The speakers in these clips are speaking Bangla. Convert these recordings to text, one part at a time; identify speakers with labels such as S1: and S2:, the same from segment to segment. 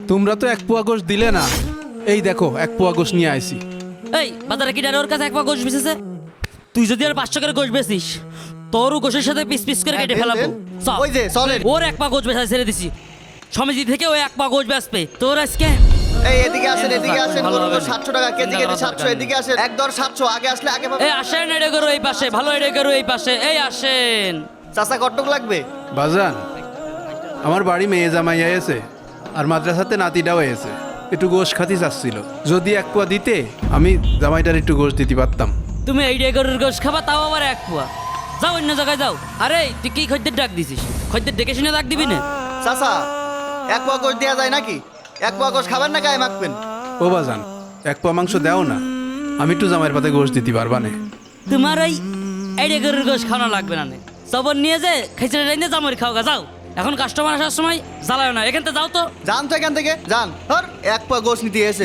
S1: তোমরা তো এক পোয়া গোশ দিলে না। এই দেখো এক পোয়া গোশ নিয়ে আইছি।
S2: এই বাজারে কি ওর কাছে এক পা গোশ বেচেছে? তুই যদি আর 500 করে গোশ বেচিস তোরও গোশের সাথে পিস পিস করে কেটে ফেলাবো। চল।
S3: ওই যে চলেন।
S2: ওর এক পা গোশ বেচা ছেড়ে দিছি, সমিতি থেকে ওই এক পা গোশ বেচবে। তোর আজকে
S3: এই এদিকে আসেন, এদিকে আসেন।
S2: ভালো
S3: গরুর
S2: হবে
S3: গোশ 700 টাকা কেজি, কেজি 700। এদিকে আসেন, এক দর 700। আগে আসলে আগে পাবেন।
S2: এই আসেন, এটা করো এই পাশে, ভালো এটা করো এই পাশে। এই আসেন।
S3: চাচা কটক লাগবে?
S1: বাজান, আমার বাড়ি মেয়ে জামাই এসে আর মাদ্রাসাতে নাতিটাও এসে একটু গোশ খাতি চাচ্ছিল। যদি এক পোয়া দিতে আমি জামাইটার একটু গোশ দিতে পারতাম।
S2: তুমি এই গরুর গোশ খাবা, তাও আবার এক পোয়া। যাও অন্য জায়গায় যাও। আরে তুই কি খদ্দের ডাক দিছিস? খদ্দের ডেকে শুনে ডাক দিবি না?
S3: চাচা এক পোয়া গোশ দেওয়া যায় নাকি? এক পোয়া গোশ খাবেন না গায়ে মাখবেন?
S1: ও বাজান, এক পোয়া মাংস দেও না, আমি একটু জামাইয়ের পাতে গোশ দিতে পারবা না।
S2: তোমার ওই এই গরুর গোশ খাওয়ানো লাগবে না। সবর নিয়ে যে খেচড়ে রেঁধে জামর খাওয়া যাও। এখন কাস্টমার আসার সময় জ্বালায় না, এখান থেকে যাও তো।
S3: যান তো এখান থেকে, যান। ধর এক পোয়া গোশ নিতে এসে।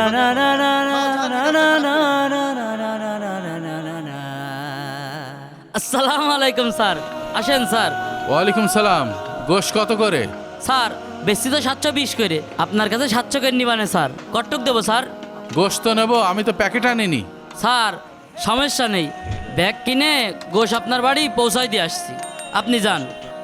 S2: আসসালামু আলাইকুম স্যার, আসেন স্যার।
S4: ওয়ালাইকুম সালাম। গোশ কত করে?
S2: স্যার বেশি তো 720 করে, আপনার কাছে 700 করে নিবানে স্যার। কটক দেবো স্যার?
S4: গোশ তো নেবো, আমি তো প্যাকেট আনিনি।
S2: স্যার সমস্যা নেই, ব্যাগ কিনে গোশ আপনার বাড়ি পৌঁছাই দিয়ে আসছি। আপনি যান।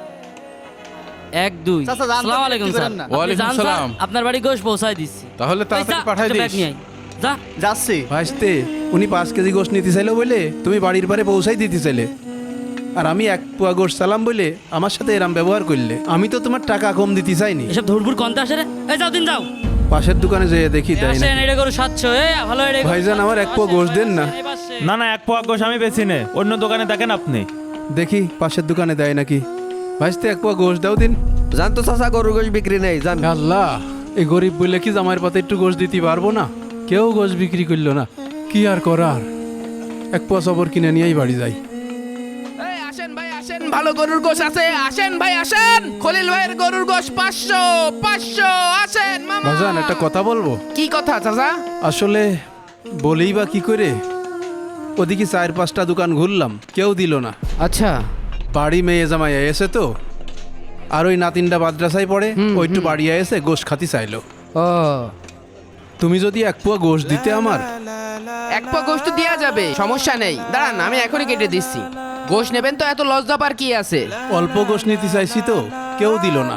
S2: 1 2।
S3: চাচা, যান তো,
S2: আসসালামু আলাইকুম
S3: বিরক্তি
S2: স্যার।
S3: করেন না।
S2: আপনি
S4: ওয়ালাইকুম
S2: যান স্যার,
S4: সালাম।
S2: আপনার বাড়ি গোশ পৌঁছাই দিচ্ছি।
S4: তাহলে
S2: এই
S4: তাড়াতাড়ি
S2: যা,
S4: পাঠাই
S2: একটা ব্যাগ
S4: দিস।
S2: নিয়ে আয়। যা।
S3: যাচ্ছি।
S1: ভাইস্তে, উনি 5 কেজি গোশ নিতে চাইলো বলে তুমি বাড়ির পারে পৌঁছাই দিতে চাইলে, আর আমি এক পোয়া গোশ সালাম বলে আমার সাথে এরম ব্যবহার করলে। আমি তো তোমার টাকা কম দিতে চাইনি।
S2: এসব ধুরপুর কনতে আসে রে। এই যাও দিন যাও।
S1: পাশের দোকানে যেয়ে দেখি তাই না।
S2: আসেন, এটা করো 700। এই ভালো এটা করো।
S1: ভাইজান, আমার এক পোয়া গোশ দেন না।
S2: এই পাশে।
S5: না না, এক পোয়া গোশ আমি বেছি নে, অন্য দোকানে দেখেন আপনি।
S1: দেখি পাশের দোকানে দেয় নাকি। ভাইস্তে এক পোয়া গোশ দাও দিন।
S6: জান তো চাচা গরুর গোশ বিক্রি নেই জান।
S1: আল্লাহ, এই গরিব বললে কি জামাইয়ের পাতে একটু গোশ দিতে পারবো না? কেউ গোশ বিক্রি করলো না, কি আর করার। এক পোয়া সবর কিনে নিয়েই বাড়ি যাই।
S7: এই আসেন ভাই আসেন, ভালো গরুর গোশ আছে। আসেন ভাই আসেন, খলিল ভাইয়ের গরুর গোশ 500 500। আসেন মামা।
S1: বাজান, একটা কথা বলবো।
S7: কি কথা চাচা?
S1: আসলে বলেই বা কি করে, ওদিকে 4-5টা দোকান ঘুরলাম, কেউ দিল না।
S7: আচ্ছা।
S1: বাড়ি মেয়ে জামাই এসে তো, আর ওই নাতিনটা মাদ্রাসায় পড়ে, ওই একটু বাড়ি এসে গোশ খাতি চাইলো।
S7: ও,
S1: তুমি যদি এক পোয়া গোশ দিতে আমার।
S7: এক পা গোশ তো দেওয়া যাবে, সমস্যা নেই। দাঁড়ান আমি এখনই কেটে দিচ্ছি। গোশ নেবেন তো, এত লজ্জা পার কি আছে?
S1: অল্প গোশ নিতে চাইছি তো, কেউ দিল না।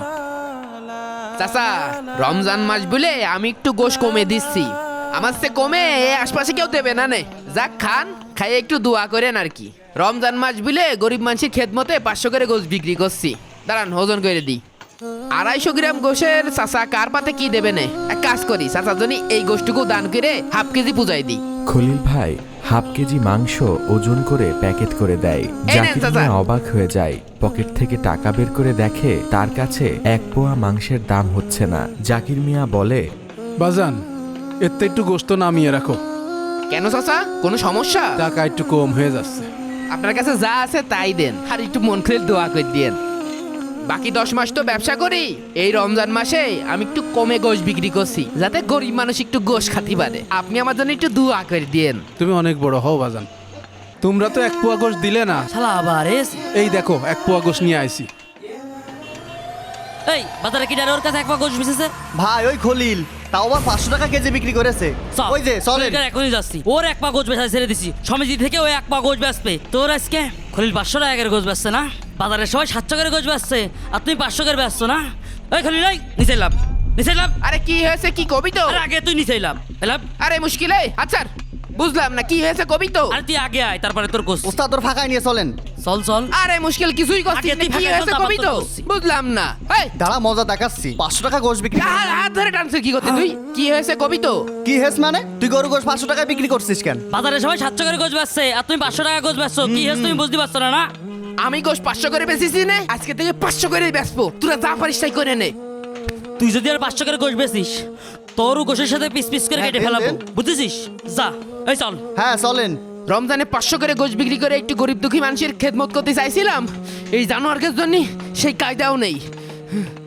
S7: চাচা রমজান মাস বলে আমি একটু গোশ কমে দিচ্ছি। আমার সে কমে এই আশপাশে কেউ দেবে না নে। যাক খান, খাইয়ে একটু দোয়া করেন আর কি। রমজান মাস বলে গরিব মানুষের খেদমতে 500 করে গোশ বিক্রি করছি। দাঁড়ান ওজন করে দিই। 250 গ্রাম গোশের চাচা কার পাতে কি দেবে নে? এক কাজ করি, চাচার জন্য এই গোশটুকু দান করে হাফ কেজি পূজাই দিই।
S8: খলিল ভাই হাফ কেজি মাংস ওজন করে প্যাকেট করে দেয়।
S7: এই নেন
S8: জাকির
S7: চাচা।
S8: মিয়া অবাক হয়ে যায়, পকেট থেকে টাকা বের করে দেখে তার কাছে এক পোয়া মাংসের দাম হচ্ছে না। জাকির মিয়া বলে,
S1: বাজান, এতে একটু গোশত নামিয়ে রাখো,
S7: কেন চাচা, কোনো সমস্যা?
S1: টাকা একটু কম হয়ে যাচ্ছে।
S7: আপনার কাছে যা আছে তাই দেন, আর একটু মন খুলে দোয়া করে দিয়েন। বাকি 10 মাস তো ব্যবসা করি, এই রমজান মাসে আমি একটু কমে গোশ বিক্রি করছি, যাতে গরিব মানুষ একটু গোশ খাতি পারে। আপনি আমার জন্য একটু দোয়া করে দিয়েন।
S1: তুমি অনেক বড় হও বাজান, তোমরা তো এক পোয়া গোশ দিলে না।
S2: শালা আবার এসে।
S1: এই দেখো এক পোয়া গোশ নিয়ে আইছি।
S2: এই বাজারে কি ওর কাছে এক পা গোশ বেচেছে?
S3: ভাই ওই খলিল, তাও আবার 500 টাকা কেজি বিক্রি করেছে।
S2: চল।
S3: ওই যে চলেন।
S2: খলিলকে এখনই যাচ্ছি। ওর এক পা গোশ বেচা ছেড়ে দিছি, সমিতি থেকে ওই এক পা গোশ বেচবে। তোর আজকে খলিল 500 টাকা করে গোশ বেচছে না, বাজারে সবাই 700 করে গোশ বেচছে, আর তুমি 500 করে বেচছো না। ওই খলিল, ওই নিচে লাভ, নিচে লাভ।
S7: আরে কি হয়েছে, কি কবি তো?
S2: আরে আগে তুই নিচে লাভ, লাভ।
S7: আরে মুশকিলে আচ্ছা, বুঝলাম না কি হয়েছে কবি তো।
S2: আরে তুই আগে আয়, তারপরে তোর কোশ।
S3: ওস্তাদ তোর ফাঁকায় নিয়ে চলেন।
S2: চল চল।
S7: আরে মুশকিল কিছুই করছিস
S2: আগে
S7: না,
S2: তুই
S7: কি
S2: ফাঁকা
S7: হয়েছে
S2: চল,
S7: কবি
S2: তারপর
S7: তো?
S2: তোর করছি।
S7: বুঝলাম না। এই
S3: দাঁড়া, মজা দেখাচ্ছি। 500 টাকা গোশ বিক্রি।
S7: হাত ধরে টানছিস কি করতে তুই? কি হয়েছে কবি তো?
S3: কি হেস মানে? তুই গরু গোশ 500 টাকায় বিক্রি করছিস কেন?
S2: বাজারে সবাই 700 করে গোশ বেচছে, আর তুমি 500 টাকা গোশ বেচছো। কি হয়েছে তুমি বুঝতে পারছো না? না
S7: আমি গোশ 500 করে বেচেছি নে, আজকে থেকে 500 করে বেচবো। তোরা যা পারিস তাই করে নে।
S2: তুই যদি আর 500 করে গোশ বেচিস তোরও গোশের সাথে পিস পিস করে
S3: হ্যাঁ,
S2: কেটে
S3: দেন,
S2: ফেলাবো,
S3: দেন।
S2: বুঝেছিস? যা, এই চল।
S3: হ্যাঁ চলেন।
S7: রমজানে 500 করে গোশ বিক্রি করে একটু গরিব দুঃখী মানুষের খেদমত করতে চাইছিলাম, এই জানোয়ারদের জন্য সেই কায়দাও নেই।